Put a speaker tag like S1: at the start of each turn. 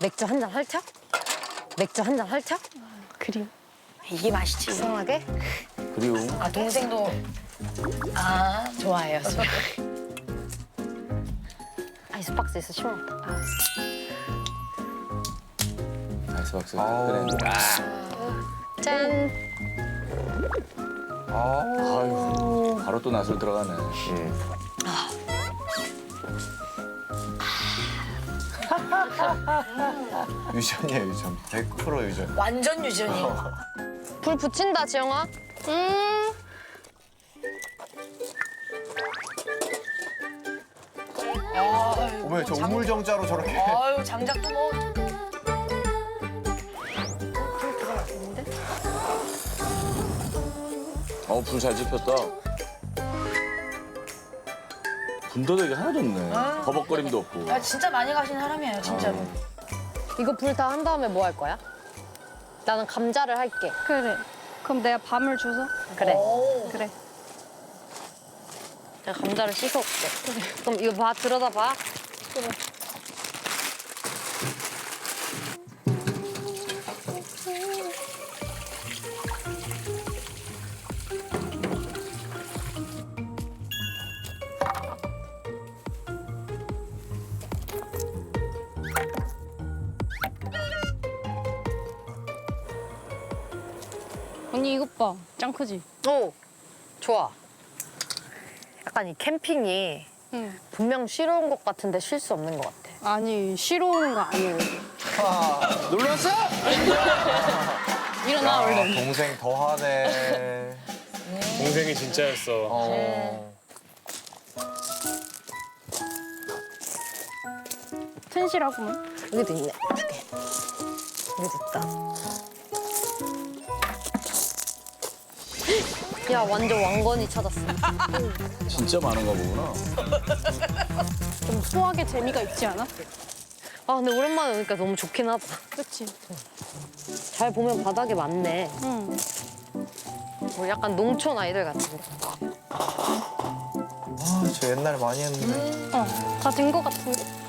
S1: 맥주 한 잔 헐쩍? 맥주 한 잔 헐쩍?
S2: 그리움.
S3: 이게 맛있지.
S1: 이상하게?
S4: 그리고
S3: 아 동생도 좋아해요. 술.
S1: 아이스박스 있어 시원하다.
S4: 아이스박스
S5: 아우.
S4: 그래.
S1: 짠.
S4: 아유, 바로 또 낯을 들어가네.
S5: 유전이에요, 유전. 100% 유전.
S3: 완전 유전이.
S1: 불 붙인다 지영아.
S5: 어머, 저 우물정자로 저렇게.
S3: 아유 장작도 뭐.
S4: 불 잘 지폈다. 군더더기 하나도 없네. 버벅거림도 없고.
S3: 아 진짜 많이 가신 사람이에요 진짜로.
S1: 이거 불 다 한 다음에 뭐 할 거야? 나는 감자를 할게.
S2: 그래. 그럼 내가 밤을 줘서?
S1: 그래.
S3: 오.
S2: 그래.
S1: 내가 감자를 씻어올게. 그럼 이거 봐 들여다 봐.
S2: 언니 이것 봐. 짱 크지?
S1: 오, 좋아. 약간 이 캠핑이
S2: 응.
S1: 분명 쉬러 온 것 같은데 쉴 수 없는 것 같아.
S2: 아니 쉬러 오는 거 아니에요.
S5: 놀랐어?
S1: 일어나 얼른.
S5: 동생 더하네.
S6: 동생이 진짜였어.
S5: 어.
S2: 튼실하구만.
S1: 여기도 있네. 두 개. 여기도 있다. 야 완전 왕건이 찾았어.
S4: 진짜 많은가 보구나.
S2: 좀 소화의 재미가 있지 않아?
S1: 아 근데 오랜만에 오니까 너무 좋긴 하다.
S2: 그렇지.
S1: 잘 보면 바닥에 많네.
S2: 응.
S1: 뭐 약간 농촌 아이들 같은데.
S5: 아, 저 옛날에 많이 했는데.
S2: 다 된 거 같은데?